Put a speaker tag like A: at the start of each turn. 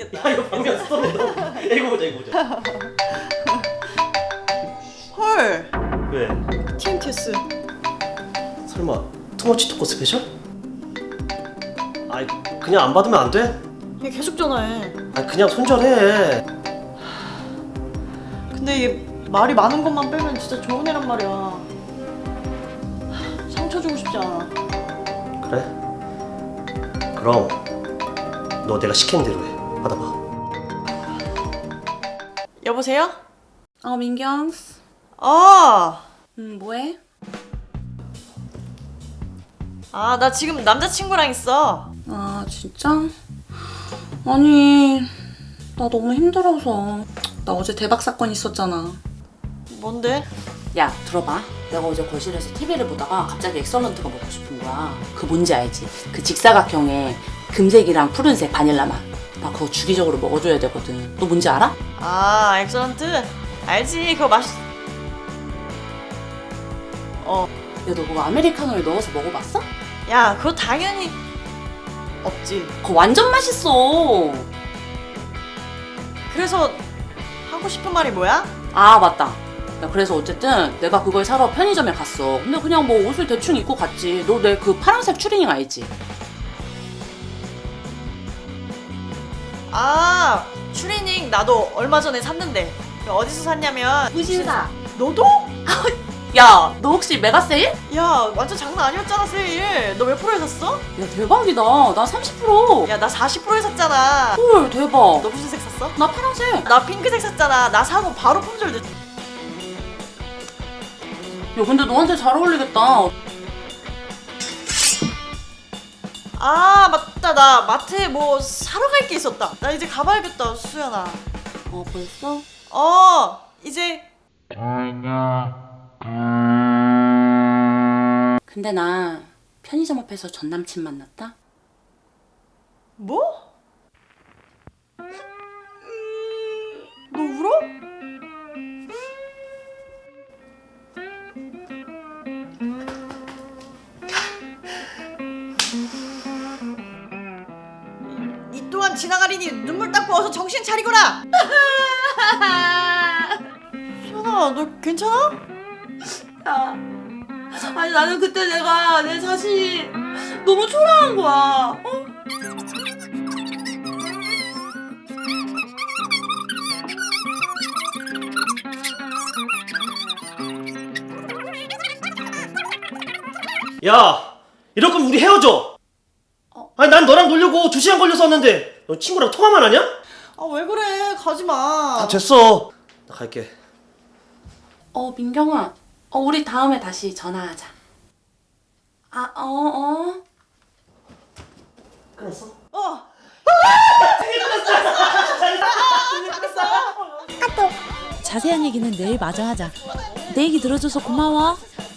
A: 재밌겠다.
B: 야 이거 방금 스토리다. 이거 보자.
A: 헐.
B: 왜?
A: TMTS.
B: 설마 투머치 토크 스페셜? 아이 그냥 안 받으면 안 돼?
A: 얘 계속 전화해.
B: 아 그냥 손절해.
A: 근데 이게 말이 많은 것만 빼면 진짜 좋은 애란 말이야. 상처 주고 싶지 않아.
B: 그래? 그럼 너 내가 시키는 대로 해. 받아봐.
A: 여보세요?
C: 민경. 뭐해?
A: 나 지금 남자친구랑 있어.
C: 아, 진짜? 아니, 나 너무 힘들어서. 나 어제 대박 사건 있었잖아.
A: 뭔데?
C: 야, 들어봐. 내가 어제 거실에서 TV를 보다가 갑자기 엑설런트가 먹고 싶은 거야. 그 뭔지 알지? 그 직사각형에 금색이랑 푸른색 바닐라 맛. 나 그거 주기적으로 먹어줘야 되거든. 너 뭔지 알아?
A: 엑설런트? 알지. 그거 맛있...
C: 야, 너 그거 아메리카노에 넣어서 먹어봤어?
A: 야, 그거 당연히 없지.
C: 그거 완전 맛있어.
A: 그래서 하고 싶은 말이 뭐야?
C: 아, 맞다. 야, 그래서 어쨌든 내가 그걸 사러 편의점에 갔어. 근데 그냥 뭐 옷을 대충 입고 갔지. 너 내 그 파란색 추리닝 알지?
A: 추리닝 나도 얼마 전에 샀는데. 어디서 샀냐면
C: 무신사.
A: 너도?
C: 야, 너 혹시 메가 세일?
A: 야, 완전 장난 아니었잖아, 세일. 너 몇 프로에 샀어?
C: 야, 대박이다. 나 30%.
A: 야, 나 40%에 샀잖아.
C: 헐, 대박.
A: 너 무슨 색 샀어?
C: 나 파란색.
A: 나 핑크색 샀잖아. 나 사고 바로 품절 됐...
C: 야, 근데 너한테 잘 어울리겠다.
A: 맞다. 나 마트에 뭐 사러 갈 게 있었다. 나 이제 가봐야겠다, 수연아.
C: 벌써?
A: 이제...
C: 근데 나 편의점 앞에서 전 남친 만났다.
A: 뭐? 너 울어? 이 또한 지나가리니 눈물 닦고 어서 정신 차리거라! 수연아, 너 괜찮아?
C: 야, 아니 나는 그때 내가 내 자신이 너무 초라한 거야.
B: 야 이럴 거면 우리 헤어져. 아니 난 너랑 놀려고 2시간 걸려서 왔는데 너 친구랑 통화만 하냐?
A: 왜 그래? 가지마.
B: 됐어. 나 갈게.
C: 민경아. 우리 다음에 다시 전화하자.
B: 끊었어?
D: 자세한 얘기는 내일 마저 하자. 내 얘기 들어줘서 고마워.